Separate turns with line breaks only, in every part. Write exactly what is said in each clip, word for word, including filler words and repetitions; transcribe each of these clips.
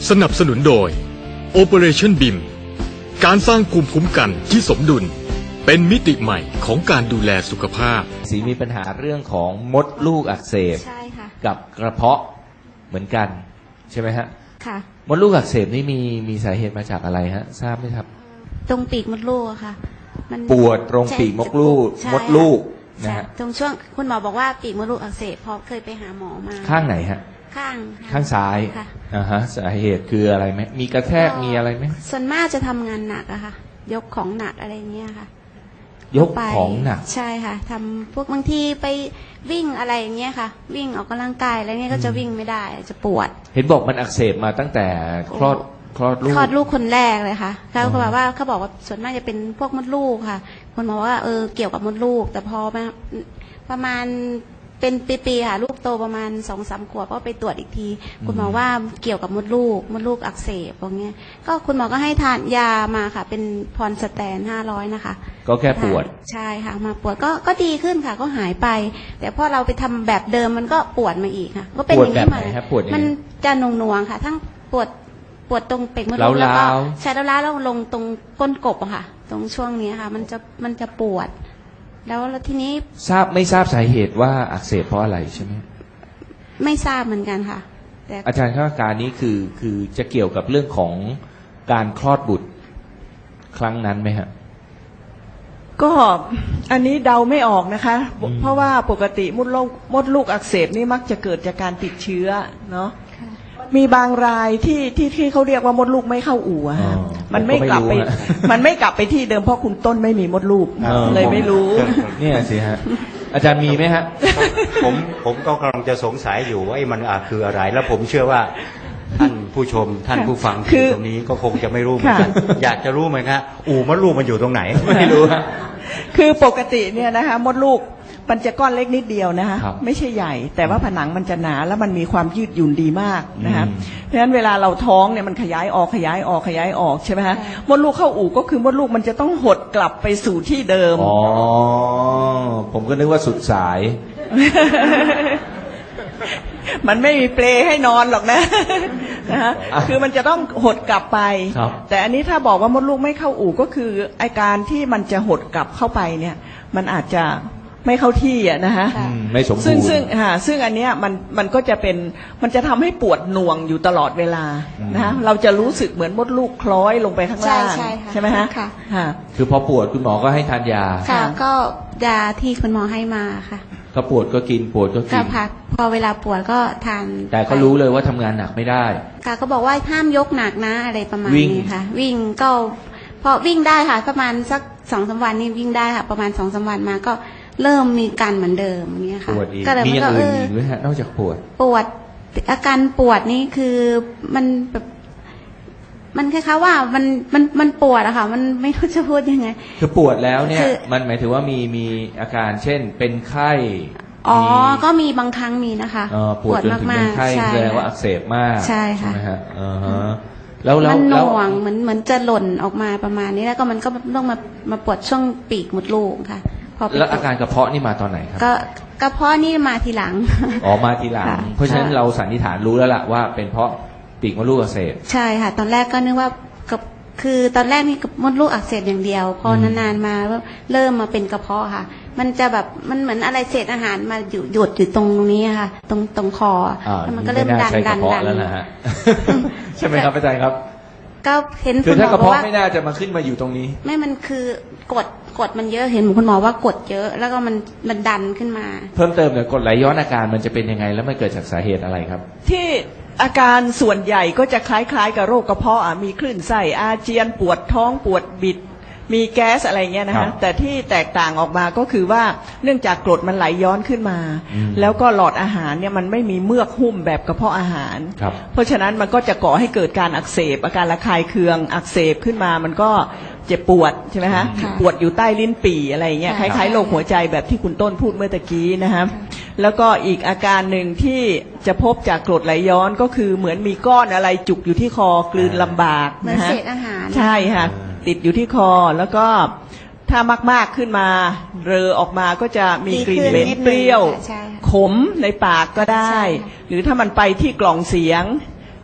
สนับสนุนโดย Operation บี เอ็ม การสร้างภูมิคุ้มกันที่สมดุลเป็นมิติใหม่ของการดูแลสุขภาพ
สีมีปัญหาเรื่องของมดลูกอักเสบ
ใช่ค่ะ
กับกระเพาะเหมือนกันใช่ไหมฮะ
ค่ะ
มดลูกอักเสบนี่มีมีสาเหตุมาจากอะไรฮะทราบไหมครับ
ตรงปีกมดลูกค่ะ
มันปวดตรงปีกมดลูกมดลูกนะฮะ
ตรงช่วงคุณหมอบอกว่าปีกมดลูกอักเสบพอเคยไปหาหมอมา
ข้างไหนฮะ
ข้าง
ข้างซ้ายอ่าฮะสาเหตุคืออะไรไหมมีกระแทกมีอะไรไหม
ส่วนมากจะทำงานหนักอะค่ะยกของหนักอะไรเงี้ยค่ะ
ยกของหนัก
ใช่ค่ะทำพวกบางทีไปวิ่งอะไรอย่างเงี้ยค่ะวิ่งออกกำลังกายอะไรเงี้ยก็จะวิ่งไม่ได้จะปวด
เห็นบอกมันอักเสบมาตั้งแต่คลอดคลอดลูก
คลอดลูกคนแรกเลยค่ะแล้วเขาบอกว่าเขาบอกว่าส่วนมากจะเป็นพวกมดลูกค่ะคนบอกว่าเออเกี่ยวกับมดลูกแต่พอมาประมาณเป็นปีๆค่ะลูกโตประมาณสองสามขวบก็ไปตรวจอีกทีคุณหมอว่าเกี่ยวกับมดลูกมดลูกอักเสบอย่างเงี้ยก็คุณหมอก็ให้ทานยามาค่ะเป็นพรสแตนห้าร้อยนะคะ
ก็แค่ปวด
ใช่ค่ะมาปวดก็ก็ดีขึ้นค่ะก็หายไปแต่พอเราไปทำแบบเดิมมันก็ปวดมาอีกค่ะก็เป็นอย่างนี้มามันจะหน่วงๆค่ะทั้งปวดปวดตรงเป่งมดลูกแล้วก็ใช้แล้วล้าแล้วลงตรงก้นกบอะค่ะตรงช่วงนี้ค่ะมันจะมันจะปวดแล้วแล้วทีนี้
ทราบไม่ทราบสาเหตุว่าอักเสบเพราะอะไรใช่ไหม
ไม่ทราบเหมือนกันค่ะ
แต่อาจารย์คาดการณ์นี้คือคือจะเกี่ยวกับเรื่องของการคลอดบุตรครั้งนั้นไหมฮะ
ก็อันนี้เดาไม่ออกนะคะเพราะว่าปกติมดลูกมดลูกอักเสบนี่มักจะเกิดจากการติดเชื้อเนาะมีบางรายที่ที่ที่เขาเรียกว่ามดลูกไม่เข้าอู่ฮะมันไม่กลับไปมันไม่กลับไปที่เดิมเพราะคุณต้นไม่มีมดลูกเลยไม่รู้
เนี่ยสิฮะอาจารย์มีไหมฮะ
ผมผมก็กำลังจะสงสัยอยู่ว่าไอ้มันคืออะไรแล้วผมเชื่อว่าท่านผู้ชมท่านผู้ฟังที่ตรงนี้ก็คงจะไม่รู้เหมือนกันอยากจะรู้ไหมครับอู่มดลูกมันอยู่ตรงไหนไม่รู้
คือปกติเนี่ยนะคะมดลูกมันจะก้อนเล็กนิดเดียวนะคะไม่ใช่ใหญ่แต่ว่าผนังมันจะหนาแล้วมันมีความยืดหยุ่นดีมากนะคะเพราะฉะนั้นเวลาเราท้องเนี่ยมันขยายออกขยายออกขยายออกใช่ไหมคะมดลูกเข้าอู่ก็คือมดลูกมันจะต้องหดกลับไปสู่ที่เดิม
อ๋อผมก็นึกว่าสุดสาย
มันไม่มีเปลให้นอนหรอกนะนะคะคือมันจะต้องหดกลับไปแต่อันนี้ถ้าบอกว่ามดลูกไม่เข้าอู่ก็คืออาการที่มันจะหดกลับเข้าไปเนี่ยมันอาจจะไม่เข้าที่อ่ะนะฮะ
ไม่สมบูรณ์
ซึ่งซึ่งฮะซึ่งอันเนี้ยมันมันก็จะเป็นมันจะทำให้ปวดหน่วงอยู่ตลอดเวลานะฮะเราจะรู้สึกเหมือนมดลูกคล้อยลงไปข้างล่างใช่ไหมฮะ
ค่ะ
คือพอปวดคุณหมอก็ให้ทานยา
ค่ะก็ยาที่คุณหมอให้มาค่ะ
ก็ปวดก็กินปวดก็กิน
ก็พักพอเวลาปวดก็ทาน
แต่ก็รู้เลยว่าทำงานหนักไม่ได้
ค่ะก็บอกว่าห้ามยกหนักนะอะไรประมาณนี้ค่ะวิ่งก็พอวิ่งได้ค่ะประมาณสักสองสามวันนี่วิ่งได้ค่ะประมาณสองสามวันมาก็เริ่มมีการเหมือนเดิมเงี้ยค่ะ
ก็เลยมันก็เออมีนอกจากปวด
ปวดอาการปวดนี่คือมันแบบมันคล้ายๆว่ามันมันมันปวดอะค่ะมันไม่รู้จะพูดยังไง
คือปวดแล้วเนี่ยมันหมายถึงว่ามีมีอาการเช่นเป็นไข้
อ๋อก็มีบางครั้งมีนะคะ
ปวดมากๆใช่แสดงว่าอักเสบมาก
ใช่ค่ะ
แล้วแล้ว
มันหน่วงเหมือนเหมือนจะหล่นออกมาประมาณนี้แล้วก็มันก็ต้องมามาปวดช่วงปีกมดลูกค่ะ
แล้วอาการกระเพาะนี่มาตอนไหนครับ
ก็กระเพาะนี่มาทีหลัง
อ๋อมาทีหลังเพราะฉะนั้นเราสันนิษฐานรู้แล้วล่ะว่าเป็นเพราะปีกมดลูกอักเสบ
ใช่ค่ะตอนแรกก็นึกว่ากับคือตอนแรกนี่มดลูกอักเสบอย่างเดียวพอนานๆมาเริ่มมาเป็นกระเพาะค่ะมันจะแบบมันเหมือนอะไรเศษอาหารมาหยุดหยุดอยู่ตรงนี้ค่ะตรงตรงคอแล้วมันก็เริ่มดันดันดัน
แล้วนะฮะใช่ไหมครับอาจารย์ครับ
ก็เห็น
คือถ้ากระเพาะไม่น่าจะมาขึ้นมาอยู่ตรงนี้
ไม่มันคือกดกดมันเยอะเห็นคุณหมอว่ากดเยอะแล้วก็มันมันดันขึ้นมา
เพิ่มเติมเนี่ยกดไหลย้อนอาการมันจะเป็นยังไงแล้วมันเกิดจากสาเหตุอะไรครับ
ที่อาการส่วนใหญ่ก็จะคล้ายๆกับโรคกระเพาะอ่ะมีคลื่นไส้อาเจียนปวดท้องปวดบิดมีแก๊สอะไรเงี้ยนะฮะแต่ที่แตกต่างออกมาก็คือว่าเนื่องจากกรดมันไหลย้อนขึ้นมาแล้วก็หลอดอาหารเนี่ยมันไม่มีเมือกหุ้มแบบกระเพาะอาหารเพราะฉะนั้นมันก็จะก่อให้เกิดการอักเสบอาการระคายเคืองอักเสบขึ้นมามันก็เจ็บปวดใช่ไหมฮะปวดอยู่ใต้ลิ้นปี่อะไรเงี้ยคล้ายๆโรคหัวใจแบบที่คุณต้นพูดเมื่อตะกี้นะฮะแล้วก็อีกอาการหนึ่งที่จะพบจากกรดไหลย้อนก็คือเหมือนมีก้อนอะไรจุกอยู่ที่คอกลืนลำบาก
นะฮะเศษอาหาร
ใช่ค่ะติดอยู่ที่คอแล้วก็ถ้ามากๆขึ้นมาเรอออกมาก็จะมีกลิ่นเหม็นเปรี้ยวขมในปากก็ได้หรือถ้ามันไปที่กล่องเสียง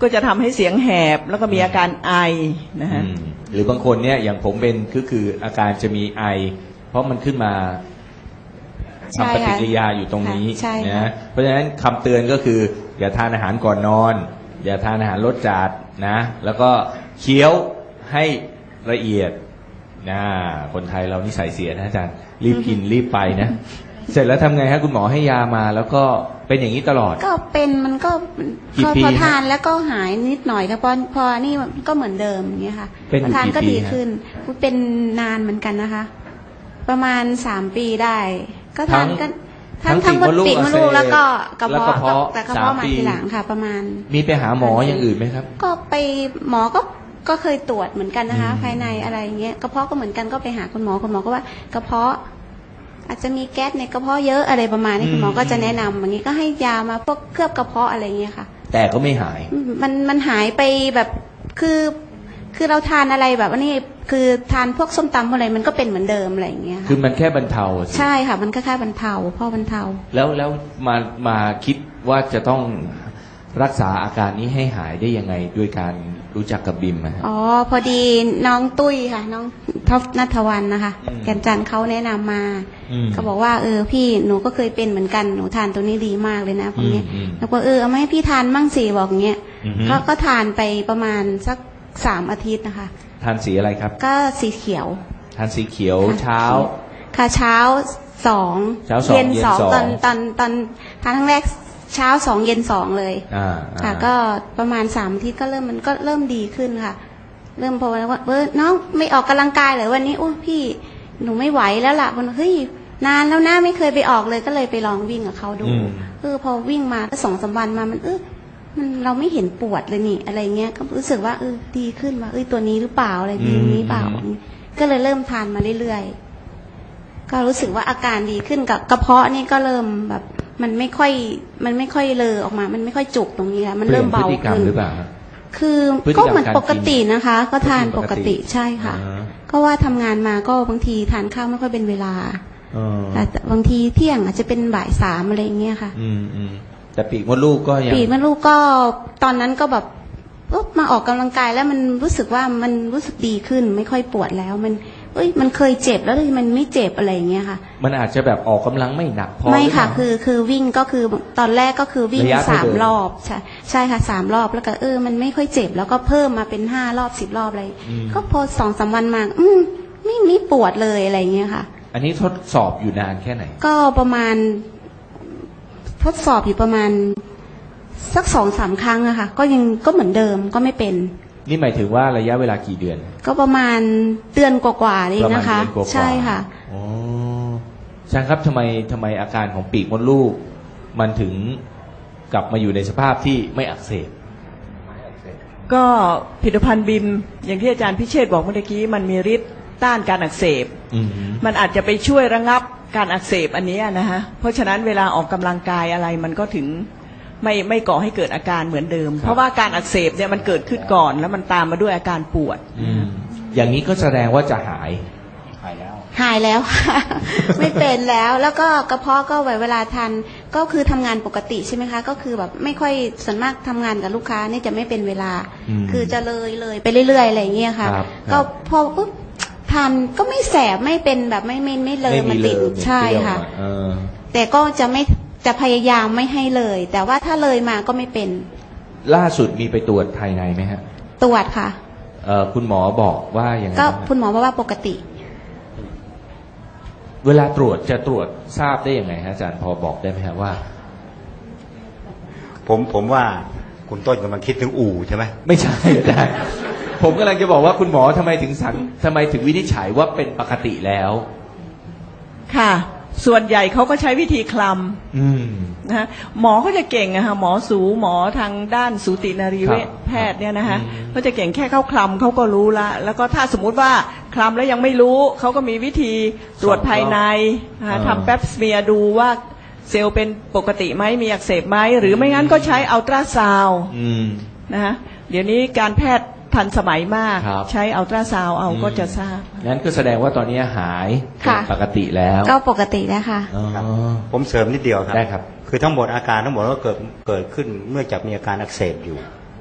ก็จะทำให้เสียงแหบแล้วก็มีอาการไอนะฮะ
อืมหรือบางคนเนี่ยอย่างผมเป็นคือคืออาการจะมีไอ เพราะมันขึ้นมา
ใช่
ทำป
ค่ะ
ฏิกิริยาอยู่ตรงนี้
ใช่ค่ะ
นะเพราะฉะนั้นคำเตือนก็คือ อย่าทานอาหารก่อนนอน อย่าทานอาหารรสจัดนะ แล้วก็เคี้ยวให้ละเอียดนะคนไทยเรานิสัยเสียนะอาจารย์รีบกินรีบไปนะ เสร็จแล้วทำไงฮะคุณหมอให้ยามาแล้วก็เป็นอย่างนี้ตลอด
ก็เป็นมันก็
กี่
พอ
ปี
พอ
ฮะ
ทานแล้วก็หายนิดหน่อยแล้วพอพอนี่มันก็เหมือนเดิมอย่างเงี้ยค่ะ
เป็นอยู่
พอทานก็
กี่ปี
ดี
ฮะ
ขึ้นเป็นนานเหมือนกันนะคะ ประมาณสามปีได้ ก็ทานก็
ทั้
ทั้
ง
งทั้งมดปีกมดลูก
อักเสบ
แล้วก็กระ
แล้ว
เพาะ
กระเพาะ
แต่กระเพาะ
สาม
มา
ปี
ทีหลังค่ะ ประมาณ
มีไปหาหมออย่างอื่นไหมครับ
ก็ไปหมอก็ก็เคยตรวจเหมือนกันนะคะ
อืม
ภายในอะไรอย่างเงี้ยกระเพาะก็เหมือนกันก็ไปหาคุณหมอคุณหมอก็ว่ากระเพาะ อาจจะมีแก๊สในกระเพาะเยอะอะไรประมาณนี้คุณหมอก็จะแนะนำอย่างนี้ก็ให้ยามาพวกเคลือบกระเพาะอะไรเงี้ยค่ะ
แต่ก็ไม่หาย
มันมันหายไปแบบคือคือเราทานอะไรแบบว่านี่คือทานพวกส้มตำอะไรมันก็เป็นเหมือนเดิมอะไรอย่างเงี้ย
คือ
ค่ะ
มันแค่บรรเทาสิ
ใช่ค่ะ มันก็แค่บรรเทาพ่อบรรเทา
แล้วแล้วมามาคิดว่าจะต้องรักษาอาการนี้ให้หายได้ยังไงด้วยการรู้จักกับบิมอะฮะ
อ๋อพอดีน้องตุ้ยค่ะ น้องท็อปนัทวันนะคะ
อืม
แกนจันทร์เขาแนะนำมา
อืม
เขาบอกว่าเออพี่หนูก็เคยเป็นเหมือนกันหนูทานตัวนี้ดีมากเลยนะพวกเนี้ย
อืมอืม
แล้วก็เออเอามาให้พี่ทานมั่งสิบอกอย่างเงี้ย
อือฮึ
ก็ก็ทานไปประมาณสักสามอาทิตย์นะคะ
ทานสีอะไรครับ
ก็สีเขียว
ทานสีเขียว
ค่ะ
เช้า
ค่ะเช้าสอง
เช้าสอง
เย็น
เย็น
สอง
สอง
ตอนตอนตอนทานครั้งแรกเช้าสองเย็นสองเลย
อ่า
ค่ะ
อ่า
ก็ประมาณสามอาทิตย์ก็เริ่มมันก็เริ่มดีขึ้นค่ะ เริ่มพอว่าเออน้องไม่ออกกำลังกายเหรอวันนี้โอ้พี่หนูไม่ไหวแล้วล่ะมันเฮ้ยนานแล้วนะไม่เคยไปออกเลยก็เลยไปลองวิ่งกับเขาดู
อืม
เออพอวิ่งมาก็สองสามวันมามันเออมันเราไม่เห็นปวดเลยนี่อะไรเงี้ยก็รู้สึกว่าเออดีขึ้นว่าเอ้ยตัวนี้หรือเปล่าอะไรดีนี้เปล่า ก็เลยเริ่มทานมาเรื่อยๆ ก็รู้สึกว่าอาการดีขึ้นกับกระเพาะนี่ก็เริ่มแบบมันไม่ค่อยมันไม่ค่อยเลอออกมา มันไม่ค่อยจุกตรงนี้แล้วมันเริ่มเบา
ปลี่ยนพฤติกรรม
ขึ้น
หรือเปล่า
คือ
พฤติกรรม
ก็เหมือนปกตินะคะ ก็ทาน
ก็
ป
กิน
ก
ปกติ
ติใช่ค่ะ
อ่า
ก็ว่าทำงานมาก็บางทีทานข้าวไม่ค่อยเป็นเวลา
เออ
แต่บางทีเที่ยงอาจจะเป็นบ่ายสามอะไรอย่างเงี้ยค่ะ
อืมอืมแต่ปีกมดลูกก็ยัง
ปีกมดลูกก็ตอนนั้นก็แบบเอ้อมาออกกำลังกายแล้วมันรู้สึกว่ามันรู้สึกดีขึ้น ไม่ค่อยปวดแล้วมันเอ้ยมันเคยเจ็บแล้วเลยมันไม่เจ็บอะไรอย่างเงี้ยค่ะ
มันอาจจะแบบออกกำลังไม่หนักพอ
ไม่ค่ะ
หรือเปล่า
คือคือวิ่งก็คือตอนแรกก็คือวิ่ง
ระยะเท่า
สาม
เดิม
รอบใช่ใช่ค่ะสามรอบแล้วก็เออมันไม่ค่อยเจ็บ แล้วก็เพิ่มมาเป็นห้ารอบสิบรอบอะไร
อืม
ก็พอสองสามวันมา อืมไม่ไม่ปวดเลยอะไรอย่างเงี้ยค่ะ
อันนี้ทดสอบอยู่นานแค่ไหน
ก็ประมาณ ทดสอบอยู่ประมาณ สักสองสามครั้งอะค่ะ ก็ยังก็เหมือนเดิมก็ไม่เป็น
นี่หมายถึงว่าระยะเวลากี่เดือน
ก็ประมาณเดือนกว่าๆเอง
ประมาณ
นะคะ
เดือนกว่าๆ
ใช่ค่ะ
อ๋ออาจารย์ครับทำไมทำไมอาการของปีกมดลูก มันถึงกลับมาอยู่ในสภาพที่ไม่อักเสบ
ก็ผลิตภัณฑ์บิมอย่างที่อาจารย์พิเชษฐ์บอกเมื่อกี้มันมีฤทธิ์ต้านการอักเสบ
อืม
มันอาจจะไปช่วยระงับการอักเสบอันนี้นะฮะเพราะฉะนั้นเวลาออกกำลังกายอะไรมันก็ถึงไม่ไม่ก่อให้เกิดอาการเหมือนเดิม เพราะว่าการอักเสบเนี่ยมันเกิดขึ้นก่อน แล้วมันตามมาด้วยอาการปวด
อืมอย่างนี้ก็แสดงว่าจะหาย หายแล้ว
หายแล้ว ค่ะ ไม่เป็นแล้ว แล้วก็กระเพาะก็เวลาทานก็คือทำงานปกติใช่ไหมคะ ก็คือแบบไม่ค่อยส่วนมากทำงานกับลูกค้านี่จะไม่เป็นเวลา
อืม
คือจะเลยเลยไปเรื่อยๆอะไรอย่างเงี้ยค่ะ
ครับ
ก็
ครับ
พอปุ๊บทานก็ไม่แสบไม่เป็นแบบไม่ไม่ไม่เลย
ไม่
มัน
มีเล
ติด
ยไม่
ใช่
เปรี้ยว
ค่ะ
อ่เออ
แต่ก็จะไม่จะพยายามไม่ให้เลย แต่ว่าถ้าเลยมาก็ไม่เป็น
ล่าสุดมีไปตรวจภายในไหมฮะ
ตรวจค่ะ
เอ่อคุณหมอบอกว่าอย่างไร
ก็
บ้าง
คุณหมอบอกว่าปกติ
เวลาตรวจจะตรวจทราบได้ยังไงฮะอาจารย์พอบอกได้ไหมฮะว่า
ผมผมว่าคุณต้นกำลังคิดถึงอู่ใช่ไหม
ไม่ใช่อาจารย์ผมกำลังจะบอกว่าคุณหมอทำไมถึงสันทำไมถึงวินิจฉัยว่าเป็นปกติแล้ว
ค่ะ ส่วนใหญ่เขาก็ใช้วิธีคล
อืม
ำนะฮะหมอเขาจะเก่งอะค่ะหมอสูหมอทางด้านสูตินรีเวช
ครับ
แพทย์เนี่ยนะคะ
อืม
เขาจะเก่งแค่เข้าคลำเขาก็รู้ละแล้วก็ถ้าสมมุติว่าคลำแล้วยังไม่รู้เขาก็มีวิธีตรวจภายในนะคะทำแป๊บสเมียร์ดูว่าเซลล์เป็นปกติไหมมีอักเสบไหมหรือไม่งั้นก็ใช้อัลตราซาวด์
อืม
นะฮะเดี๋ยวนี้การแพทย์ทันสมัยมาก
ครับ
ใช้อัลตราซาวด์เอา
อืม
ก็จะทราบ
งั้นก็แสดงว่าตอนนี้หาย
ค่ะ
เป็นปกติแล้ว
ก็ปกติแล้วค่ะ
อ๋อ
ผมเสริมนิดเดียวครับ
ได้ครับ
คือทั้งหมดอาการทั้งหมดก็เกิดเกิดขึ้นเมื่อจากมีอาการอักเสบอยู่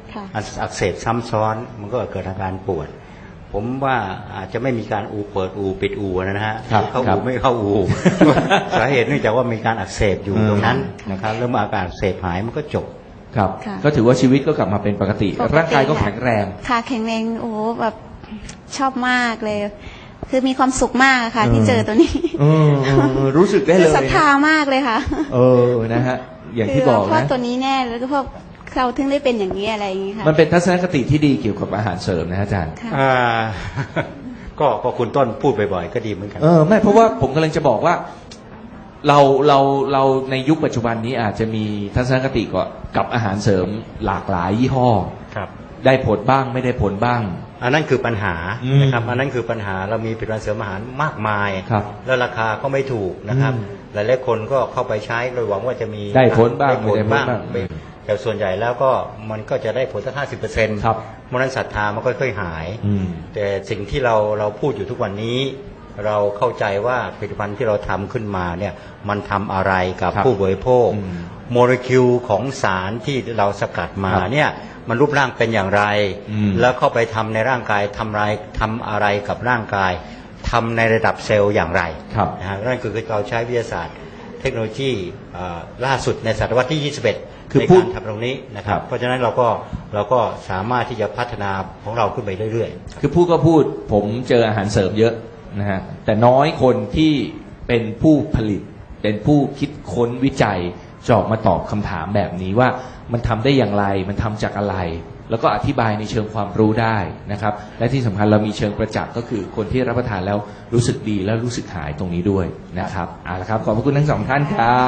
ค่ะ
อักเสบซ้ำซ้อนมันก็เกิดอาการปวด ผมว่าอาจจะไม่มีการอูเปิดอูปิดอูนะฮะ
ครับ
เข้า
ครั
อู
บ
ไม่เข้าอู สาเหตุเนื่องจากว่ามีการอักเสบอยู่
อืม
ตรงนั้นนะครับแล้วเมื่ออาการอักเสบหายมันก็จบ
ครับ
ค่ะ
ก็ถือว่าชีวิตก็กลับมาเป็นปกติ
ปกติ
ร่างกายก็
ค่ะ
แข็งแรง
ค่ะแข็งแรงโอ้โหแบบชอบมากเลย คือมีความสุขมากค่ะ ที่
เออ
เจอตัวนี้
เออเออเออรู้สึกได้
คื
เล
อย ศรัทธามากเลยค่ะ
เออนะฮะอย่างที่บอก
คืว่า
นะ
ตัวนี้แน่แล้วก็พวกเราถึงได้เป็นอย่างนี้อะไรอย่างนี้ค่ะ
มันเป็นทัศนคติที่ดีเกี่ยวกับอาหารเสริมนะฮะอาจารย์
ค่ะ
อ่า ก็ก็คุณต้นพูดบ่อยๆก็ดีเหมือนกัน
เออไม่เพราะว่าผมกำลังจะบอกว่าเราเราเราในยุคปัจจุบันนี้อาจจะมีทัศนคติกับกับอาหารเสริมหลากหลายยี่ห้อ
ครับ
ได้ผลบ้างไม่ได้ผลบ้าง
อันนั้นคือปัญหา
อืม
นะครับอันนั้นคือปัญหาเรามีผลิตภัณฑ์เสริมอาหารมากมาย
ครับ
แล้วราคาก็ไม่ถูกนะครับ
อืม
หลายๆคนก็เข้าไปใช้โดยหวังว่าจะมี
ได้ผลบ้าง
ได้ผลบ้าง
ไม่ได้ผลบ้าง
ไม่แต่ส่วนใหญ่แล้วก็มันก็จะได้ผลสักห้าสิบเปอร์เซ็นต์
ครับ
เพราะฉะนั้นศรัทธามันค่อยๆหาย
อืม
แต่สิ่งที่เราเราพูดอยู่ทุกวันนี้ เราเข้าใจว่าผลิตภัณฑ์ที่เราทำขึ้นมาเนี่ยมันทำอะไรกับ
ครับ
ผู้บริโภค
อืม
โมเลกุลของสารที่เราสกัดมา
ครับ
เนี่ยมันรูปร่างเป็นอย่างไร
อืม
แล้วเข้าไปทำในร่างกายทำอะไรทำอะไรกับร่างกายทำในระดับเซลล์อย่างไร
ครับ
นะฮะนั่นคือเราใช้วิทยาศาสตร์เทคโนโลยีเอ่อล่าสุดในศตวรรษที่ ยี่สิบเอ็ด
คือ
ใน
พูด
การทำตรงนี้นะค
ครั
รับ
บ
เพราะฉะนั้นเราก็เราก็สามารถที่จะพัฒนาของเราขึ้นไปเรื่อยๆ
คือพูดก็พูดผมเจออาหารเสริมเยอะนะฮะแต่น้อยคนที่เป็นผู้ผลิต เป็นผู้คิดค้นวิจัยจะออกมาตอบคำถามแบบนี้ว่ามันทำได้อย่างไรมันทำจากอะไร แล้วก็อธิบายในเชิงความรู้ได้นะครับและที่สำคัญเรามีเชิงประจักษ์ก็คือคนที่รับประทานแล้วรู้สึกดีและรู้สึกหายตรงนี้ด้วยนะครับเอาละครับขอบพระคุณทั้งสองท่านครับ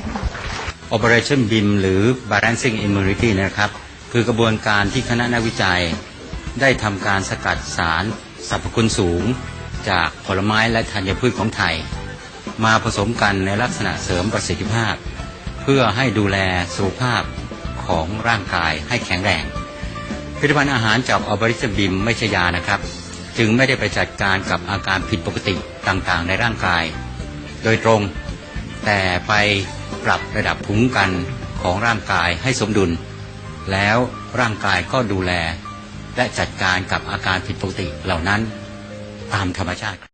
Operation บี เอ็ม หรือ Balancing Immunity นะครับ คือกระบวนการที่คณะนักวิจัย ได้ทำการสกัดสารสรรพคุณสูง จากผลไม้และธัญพืชของไทย มาผสมกันในลักษณะเสริมประสิทธิภาพ เพื่อให้ดูแลสุขภาพของร่างกายให้แข็งแรงผลิตภัณฑ์อาหารจาก Operation บี เอ็ม ไม่ใช่ยานะครับ จึงไม่ได้ไปจัดการกับอาการผิดปกติต่างๆ ในร่างกาย โดยตรง แต่ไปปรับระดับภูมิคุ้มกันของร่างกายให้สมดุล แล้วร่างกายก็ดูแลและจัดการกับอาการผิดปกติเหล่านั้นตามธรรมชาติครับ